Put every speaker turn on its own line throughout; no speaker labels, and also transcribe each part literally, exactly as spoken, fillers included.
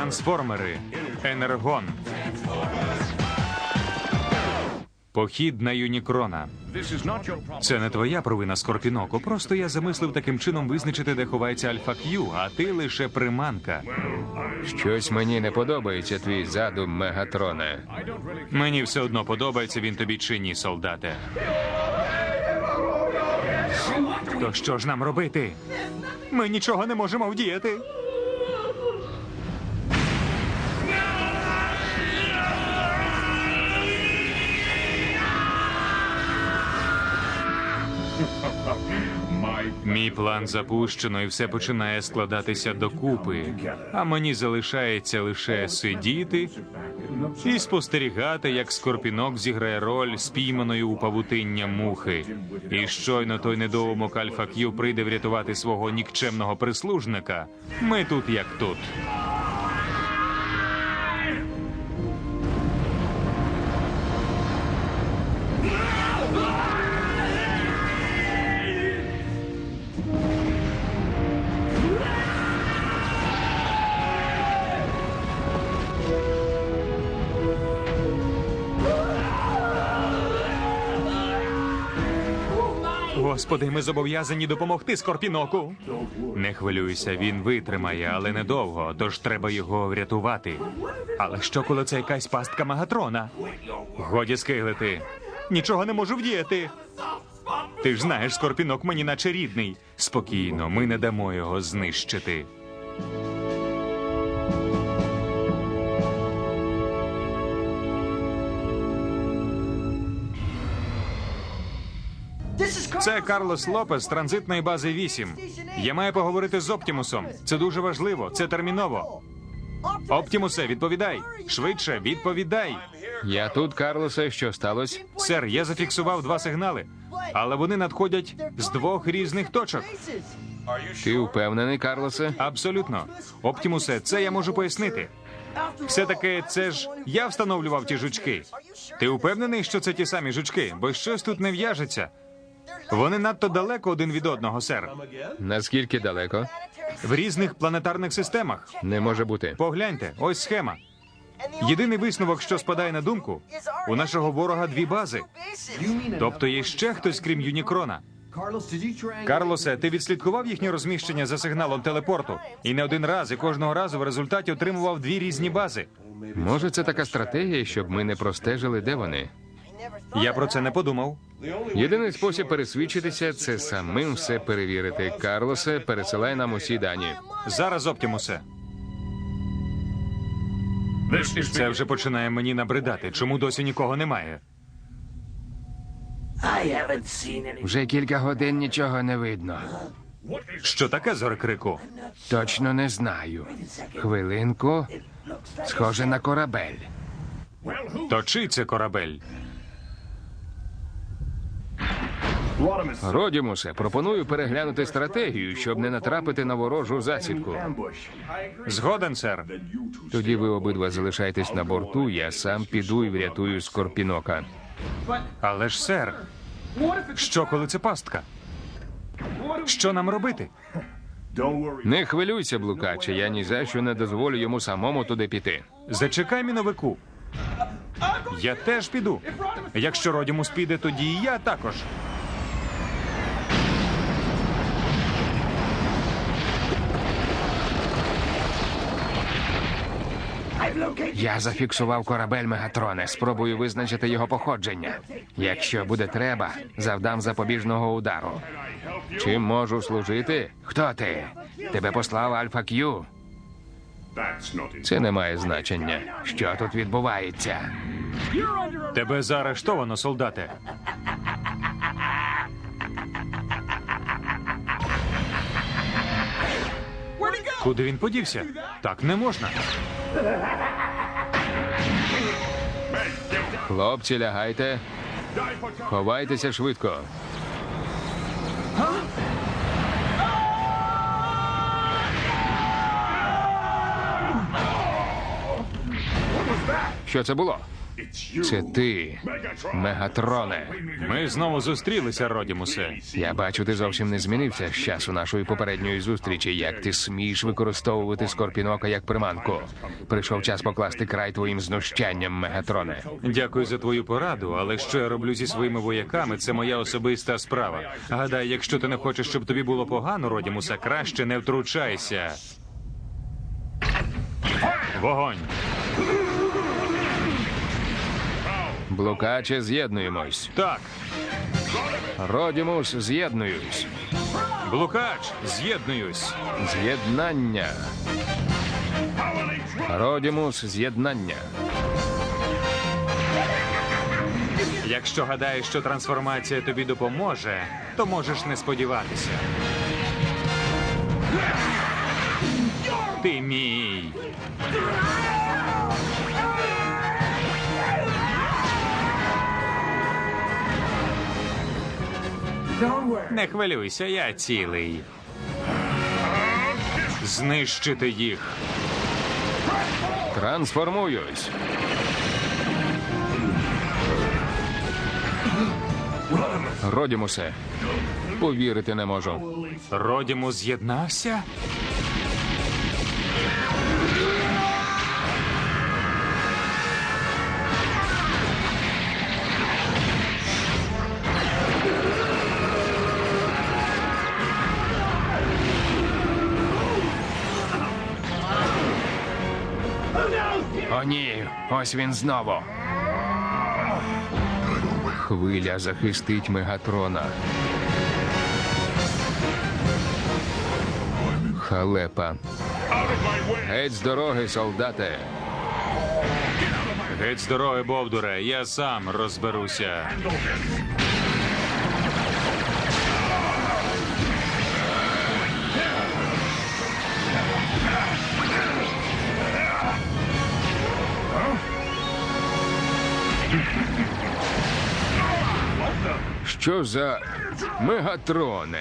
Трансформери. Енергон. Похід на Юнікрона. Це не твоя провина, Скорпіноко. Просто я замислив таким чином визначити, де ховається Альфа Кью, а ти лише приманка.
Щось мені не подобається твій задум, Мегатроне.
Мені все одно подобається він тобі чи ні, солдате. То що ж нам робити? Ми нічого не можемо вдіяти. Мій план запущено, і все починає складатися докупи. А мені залишається лише сидіти і спостерігати, як Скорпінок зіграє роль спійманої у павутиння мухи. І щойно той недоумок Альфа Кью прийде врятувати свого нікчемного прислужника, ми тут як тут. Господи, ми зобов'язані допомогти Скорпіноку. Не хвилюйся, він витримає, але недовго, тож треба його врятувати. Але що, коли це якась пастка Мегатрона? Годі скиглити. Нічого не можу вдіяти. Ти ж знаєш, Скорпінок мені наче рідний. Спокійно, ми не дамо його знищити. Це Карлос Лопес з транзитної бази вісім. Я маю поговорити з Оптімусом. Це дуже важливо, це терміново. Оптімусе, відповідай. Швидше, відповідай.
Я тут, Карлосе, що сталося?
Сер, я зафіксував два сигнали, але вони надходять з двох різних точок.
Ти впевнений, Карлосе?
Абсолютно. Оптімусе, це я можу пояснити. Все-таки це ж я встановлював ті жучки. Ти впевнений, що це ті самі жучки? Бо щось тут не в'яжеться. Вони надто далеко один від одного, сер.
Наскільки далеко?
В різних планетарних системах.
Не може бути.
Погляньте, ось схема. Єдиний висновок, що спадає на думку, у нашого ворога дві бази. Тобто є ще хтось, крім Юнікрона. Карлосе, ти відслідкував їхнє розміщення за сигналом телепорту? І не один раз, і кожного разу в результаті отримував дві різні бази.
Може, це така стратегія, щоб ми не простежили, де вони?
Я про це не подумав.
Єдиний спосіб пересвідчитися – це самим все перевірити. Карлосе, пересилай нам усі дані.
Зараз, Оптімусе. Це вже починає мені набридати. Чому досі нікого немає?
Вже кілька годин нічого не видно.
Що таке, Зорекрику?
Точно не знаю. Хвилинку. Схоже на корабель.
То чий це корабель?
Родімусе, пропоную переглянути стратегію, щоб не натрапити на ворожу засідку.
Згоден, сер.
Тоді ви обидва залишайтесь на борту, я сам піду і врятую Скорпінока.
Але ж, сер, що, коли це пастка? Що нам робити?
Не хвилюйся, блукаче, я ні за що не дозволю йому самому туди піти.
Зачекай, міновику. Я теж піду. Якщо Родімус піде, тоді і я також.
Я зафіксував корабель Мегатроне. Спробую визначити його походження. Якщо буде треба, завдам запобіжного удару. Чим можу служити? Хто ти? Тебе послав Альфа Кью? Це не має значення. Що тут відбувається?
Тебе заарештовано, солдате. Куди він подівся? Так не можна.
Хлопці, лягайте. Ховайтеся швидко. Що це було? Це ти, Мегатроне.
Ми знову зустрілися, Родімусе.
Я бачу, ти зовсім не змінився з часу нашої попередньої зустрічі. Як ти смієш використовувати Скорпінока як приманку? Прийшов час покласти край твоїм знущанням, Мегатроне.
Дякую за твою пораду, але що я роблю зі своїми вояками, це моя особиста справа. Гадаю, якщо ти не хочеш, щоб тобі було погано, Родімусе, краще не втручайся. Вогонь!
Блукаче, з'єднуємось.
Так,
Родімус, з'єднуюсь.
блукач, з'єднуюсь.
З'єднання. Родімус, з'єднання.
Якщо гадаєш, що трансформація тобі допоможе, то можеш не сподіватися. Ти мій. Не хвилюйся, я цілий. Знищити їх.
Трансформуюсь. Родімусе, повірити не можу.
Родімус з'єднався?
О, ні, ось він знову. Хвиля захистить Мегатрона. Халепа. Геть з дороги, солдате.
Геть з дороги, Бовдуре, я сам розберуся.
Що за Мегатроне?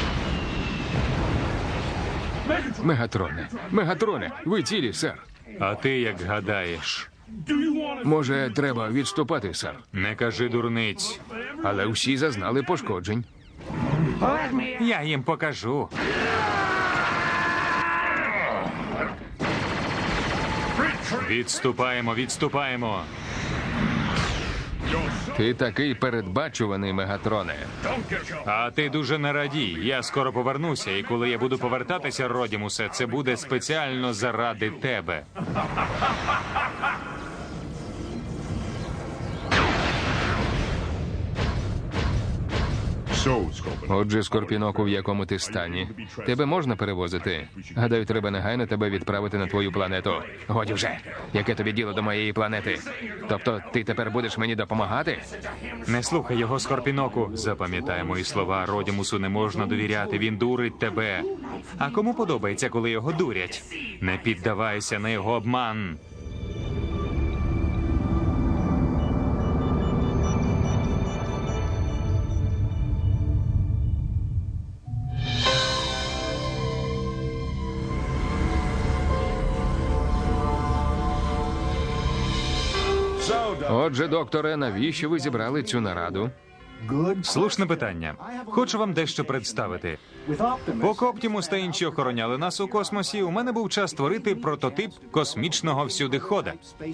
Мегатроне, Мегатроне, ви цілі, сер.
А ти як гадаєш?
Може, треба відступати, сер.
Не кажи дурниць.
Але всі зазнали пошкоджень.
Я їм покажу. Відступаємо, відступаємо.
Ти такий передбачуваний, Мегатроне.
А ти дуже не радій. Я скоро повернуся, і коли я буду повертатися, Родімусе, це буде спеціально заради тебе.
Отже, Скорпіноку, в якому ти стані. Тебе можна перевозити? Гадаю, треба негайно тебе відправити на твою планету. Годі вже. Яке тобі діло до моєї планети? Тобто ти тепер будеш мені допомагати?
Не слухай його, Скорпіноку. Запам'ятай мої слова. Родімусу не можна довіряти. Він дурить тебе. А кому подобається, коли його дурять? Не піддавайся на його обман.
Отже, докторе, навіщо ви зібрали цю нараду?
Слушне питання. Хочу вам дещо представити. Поки Оптімус та інші охороняли нас у космосі, у мене був час створити прототип космічного всюдихода.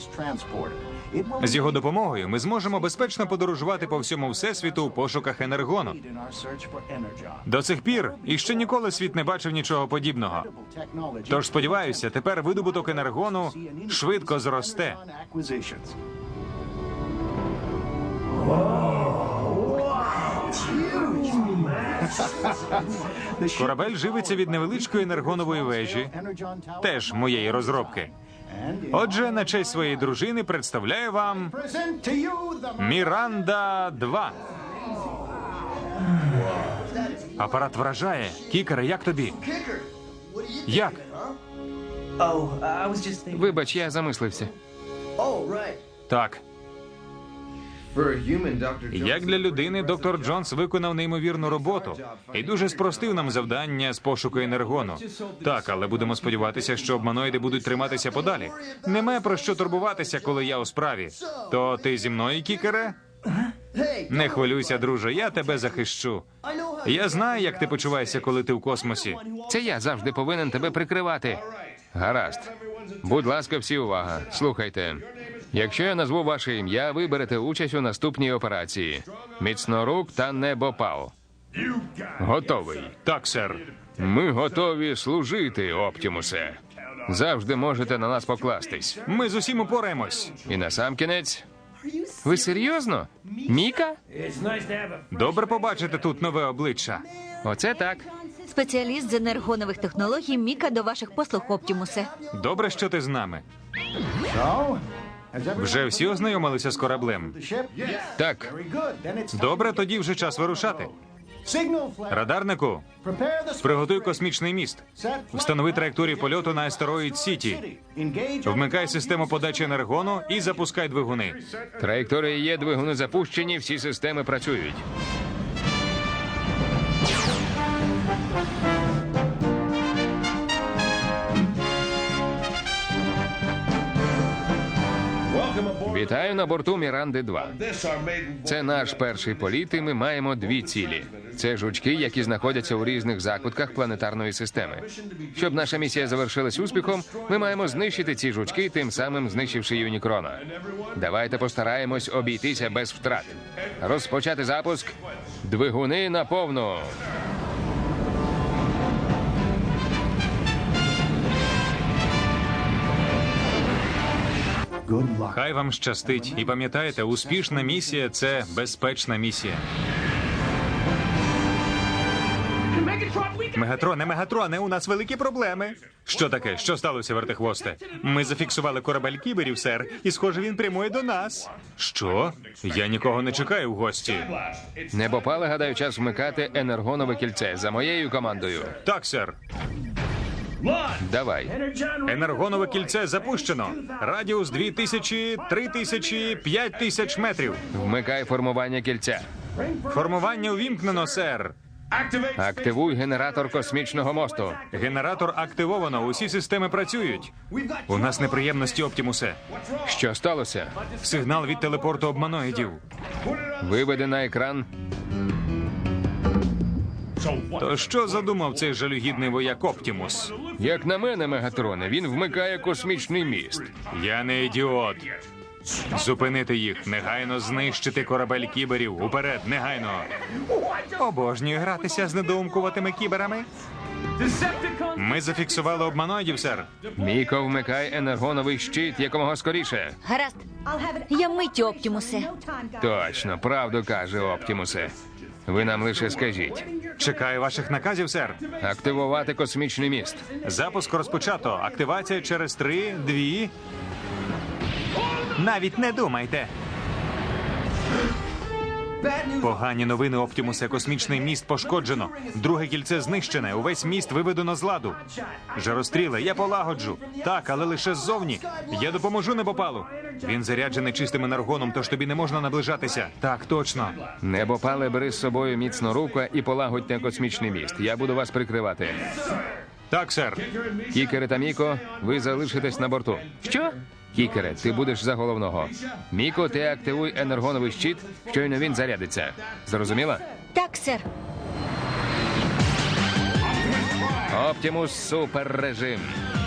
З його допомогою ми зможемо безпечно подорожувати по всьому всесвіту у пошуках енергону. До цих пір іще ніколи світ не бачив нічого подібного. Тож, сподіваюся, тепер видобуток енергону швидко зросте. Корабель живиться від невеличкої енергонової вежі, теж моєї розробки. Отже, на честь своєї дружини представляю вам Міранда два. Апарат вражає. Кікере, як тобі? Як?
Oh, I was just thinking.
Вибач, я замислився.
Oh, right.
Так. Як для людини, доктор Джонс виконав неймовірну роботу і дуже спростив нам завдання з пошуку енергону. Так, але будемо сподіватися, що обманоїди будуть триматися подалі. Немає про що турбуватися, коли я у справі. То ти зі мною, Кікере? Не хвилюйся, друже, я тебе захищу. Я знаю, як ти почуваєшся, коли ти в космосі.
Це я завжди повинен тебе прикривати. Гаразд. Будь ласка, всі увага. Слухайте. Якщо я назву ваше ім'я, ви берете участь у наступній операції. Міцнорук та Небопал. Готовий.
Так, сер.
Ми готові служити, Оптімусе. Завжди можете на нас покластись.
Ми з усім упораємось.
І насамкінець. Ви серйозно? Міка?
Добре побачити тут нове обличчя.
Оце так.
Спеціаліст з енергонових технологій Міка до ваших послуг, Оптімусе.
Добре, що ти з нами. Вже всі ознайомилися з кораблем?
Так.
Добре, тоді вже час вирушати. Радарнику, приготуй космічний міст. Встанови траєкторію польоту на астероїд Сіті. Вмикай систему подачі енергону і запускай двигуни.
Траєкторія є, двигуни запущені, всі системи працюють. Вітаю на борту Міранди два. Це наш перший політ, і ми маємо дві цілі. Це жучки, які знаходяться у різних закутках планетарної системи. Щоб наша місія завершилась успіхом, ми маємо знищити ці жучки, тим самим знищивши Юнікрона. Давайте постараємось обійтися без втрат. Розпочати запуск. Двигуни на повну.
Хай вам щастить. І пам'ятайте, успішна місія – це безпечна місія. Мегатроне, Мегатроне, у нас великі проблеми. Що таке? Що сталося, вертихвосте? Ми зафіксували корабель кіберів, сер, і, схоже, він прямує до нас. Що? Я нікого не чекаю в гості.
Небопали, гадаю, час вмикати енергонове кільце за моєю командою.
Так, сер.
Давай.
Енергонове кільце запущено. Радіус дві тисячі, три тисячі, п'ять тисяч метрів.
Вмикай формування кільця.
Формування увімкнено, сер.
Активуй генератор космічного мосту.
Генератор активовано, усі системи працюють. У нас неприємності, Оптімусе.
Що сталося?
Сигнал від телепорту обманоїдів.
Виведи на екран.
То що задумав цей жалюгідний вояк Оптімус?
Як на мене, Мегатроне, він вмикає космічний міст.
Я не ідіот. Зупинити їх, негайно знищити корабель кіберів. Уперед, негайно. Обожнюю гратися з недоумкуватими кіберами. Ми зафіксували обманоїдів, сер.
Міко, вмикай енергоновий щит якомога скоріше.
Гаразд. Я миттю, Оптімусе.
Точно, правду каже Оптімусе. Ви нам лише скажіть.
Чекаю ваших наказів, сер.
Активувати космічний міст.
Запуск розпочато. Активація через три, дві. Навіть не думайте. Погані новини, Оптімусе. Космічний міст пошкоджено. Друге кільце знищене. Увесь міст виведено з ладу. Жаростріле, я полагоджу. Так, але лише ззовні. Я допоможу Небопалу. Він заряджений чистим енергоном, тож тобі не можна наближатися. Так, точно.
Небопале, бери з собою міцно руку і полагодьте космічний міст. Я буду вас прикривати.
Так, сер.
Кікере та Міко, ви залишитесь на борту. Що? Кікере, ти будеш за головного. Міко, ти активуй енергоновий щит, щойно він зарядиться. Зрозуміла?
Так, сер.
Оптімус суперрежим.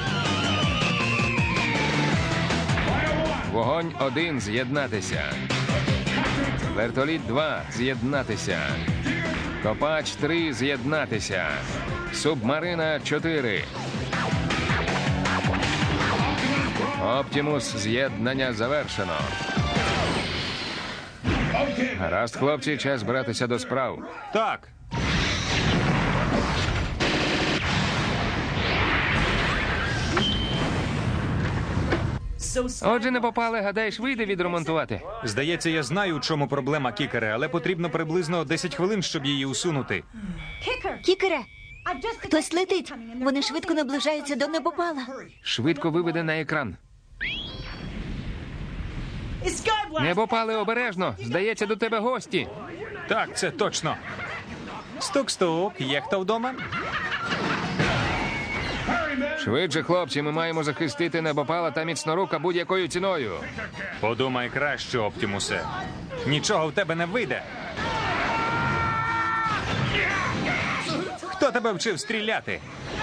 Вогонь один з'єднатися. Вертоліт два з'єднатися. Копач три з'єднатися. Субмарина чотири. Оптімус, з'єднання завершено. Гаразд, хлопці, час братися до справ.
Так.
Отже, не попали, гадаєш, вийде відремонтувати?
Здається, я знаю, у чому проблема, Кікере, але потрібно приблизно десять хвилин, щоб її усунути.
Кікере, хтось летить. Вони швидко наближаються до Небопала.
Швидко виведе на екран.
It's Skyblast!
Небопале, обережно. Здається, до тебе гості.
Так, це точно. Стук-стук, є хто вдома?
Швидше, хлопці, ми маємо захистити небопала та міцнорука будь-якою ціною.
Подумай краще, Оптімусе. Нічого в тебе не вийде. Хто тебе вчив стріляти?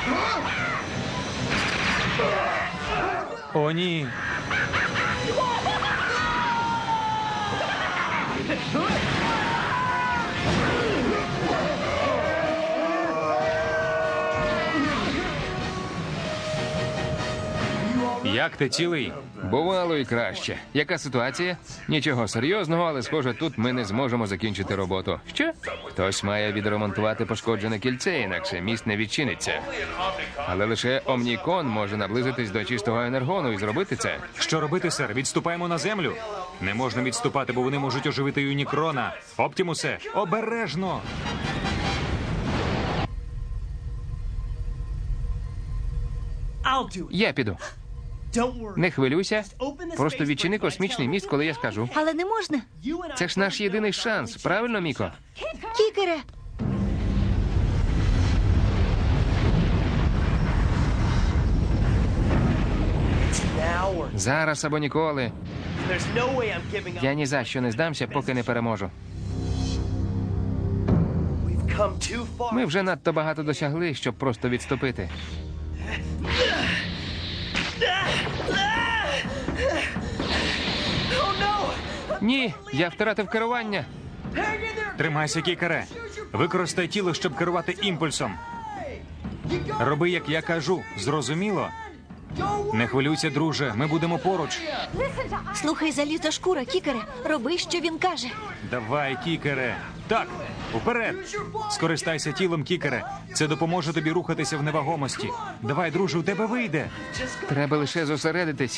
О, ні. Як ти цілий?
Бувало і краще. Яка ситуація? Нічого серйозного, але схоже, тут ми не зможемо закінчити роботу. Що? Хтось має відремонтувати пошкоджене кільце, інакше міст не відчиниться. Але лише Омнікон може наблизитись до чистого енергону і зробити це.
Що робити, сер? Відступаємо на землю? Не можна відступати, бо вони можуть оживити Юнікрона. Оптімусе, обережно!
I'll do it.
Я піду.
Don't worry.
Не хвилюйся.
Open the
Просто
space
відчини
bridge right
космічний
now.
міст, коли я скажу.
Але не можна.
You and I
Це ж наш єдиний шанс, правильно, Міко?
Кікере,
now or
Зараз або ніколи.
there's no way I'm giving up.
Я ні за що не здамся, поки не переможу.
We've come too far.
Ми вже надто багато досягли, щоб просто відступити.
Oh no!
Ні, я втратив керування.
Hang in there!
Тримайся, кікере. Використай тіло, щоб керувати імпульсом. Роби, як я кажу. Зрозуміло? Не хвилюйся, друже. Ми будемо поруч.
слухай залізошкура, Кікере. Роби, що він каже.
Давай, кікере. Так, уперед. Скористайся тілом, кікере. Це допоможе тобі рухатися в невагомості. Давай, друже, у тебе вийде.
Треба лише зосередитись.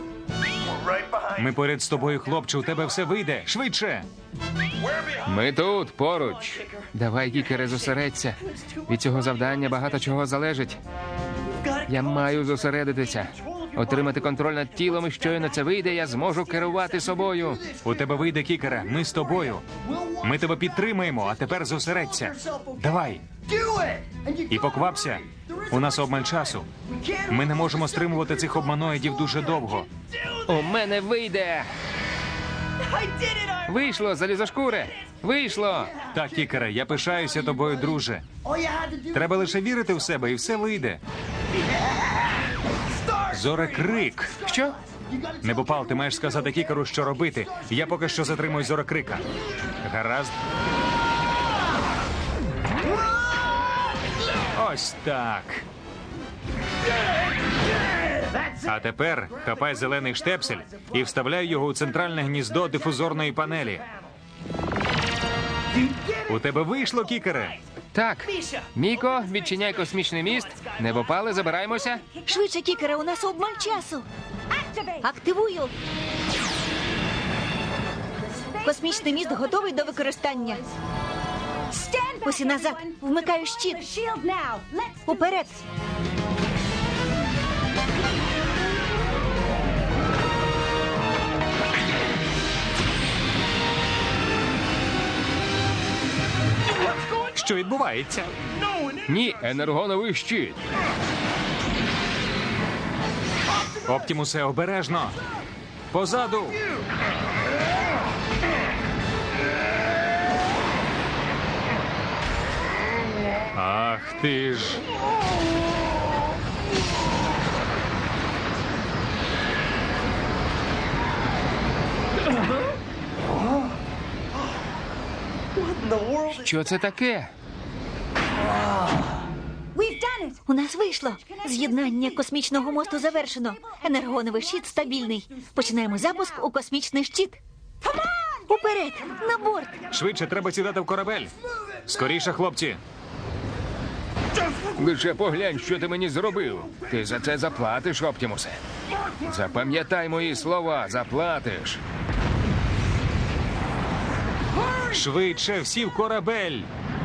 Ми поряд з тобою, хлопче, у тебе все вийде. Швидше.
Ми тут, поруч. Давай, Кікере, зосередься. Від цього завдання багато чого залежить. Я маю зосередитися. Отримати контроль над тілом, і щойно це вийде, я зможу керувати собою.
У тебе вийде, кікере. Ми з тобою. Ми тебе підтримаємо, а тепер зосередься. Давай.
Do it! And you
І поквапся. У нас обмаль часу.
can't
Ми не можемо стримувати цих обманоїдів дуже довго.
У мене вийде.
I did it! I...
Вийшло, залізошкуре. Вийшло.
Так, кікере, я пишаюся тобою, друже.
All you had to do
Треба лише вірити в себе, і все вийде. Зорекрик.
Що?
Небопал, ти маєш сказати кікеру, що робити. Я поки що затримую зорекрика. Гаразд. Ось так. А тепер хапай зелений штепсель і вставляй його у центральне гніздо дифузорної панелі. У тебе вийшло, кікере?
Так. Міко, відчиняй космічний міст. Небопали, забираємося.
Швидше, Кікере, у нас обмаль часу. Активую. Космічний міст готовий до використання. Усі назад. Вмикаю щит. Уперед.
Що відбувається?
Ні, енергоновий щит.
Оптімусе, обережно. Позаду. Ах ти ж.
in the world.
Що це таке?
У нас вийшло. З'єднання космічного мосту завершено. Енергоновий щит стабільний. Починаємо запуск у космічний щит. Уперед! На борт!
Швидше треба сідати в корабель. Скоріше, хлопці.
Лише поглянь, що ти мені зробив. Ти за це заплатиш, Оптімусе. Запам'ятай мої слова, заплатиш.
Швидше всі в корабель.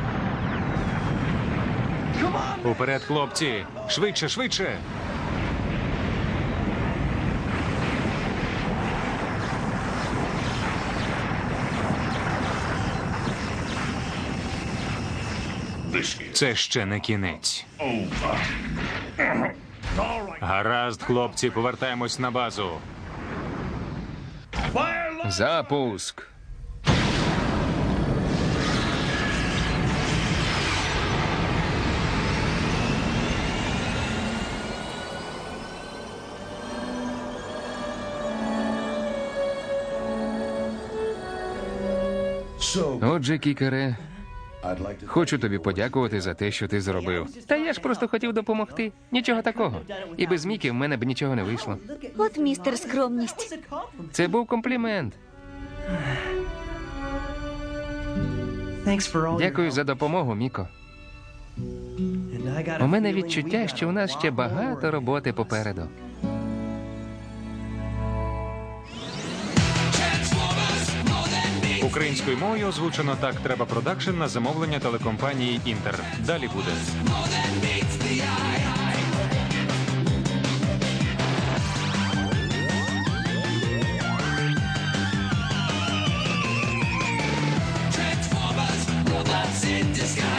Уперед, хлопці. Швидше, швидше. Це ще не кінець. Гаразд, хлопці, повертаємось на базу.
Запуск. Отже, кікере, хочу тобі подякувати за те, що ти зробив. Та я ж просто хотів допомогти. Нічого такого. І без Мікі в мене б нічого не вийшло.
От містер скромність.
Це був комплімент. Дякую за допомогу, Міко. У мене відчуття, що у нас ще багато роботи попереду.
Українською мовою озвучено «Так треба продакшн» на замовлення телекомпанії «Інтер». Далі буде.
Transformers, robots in disguise.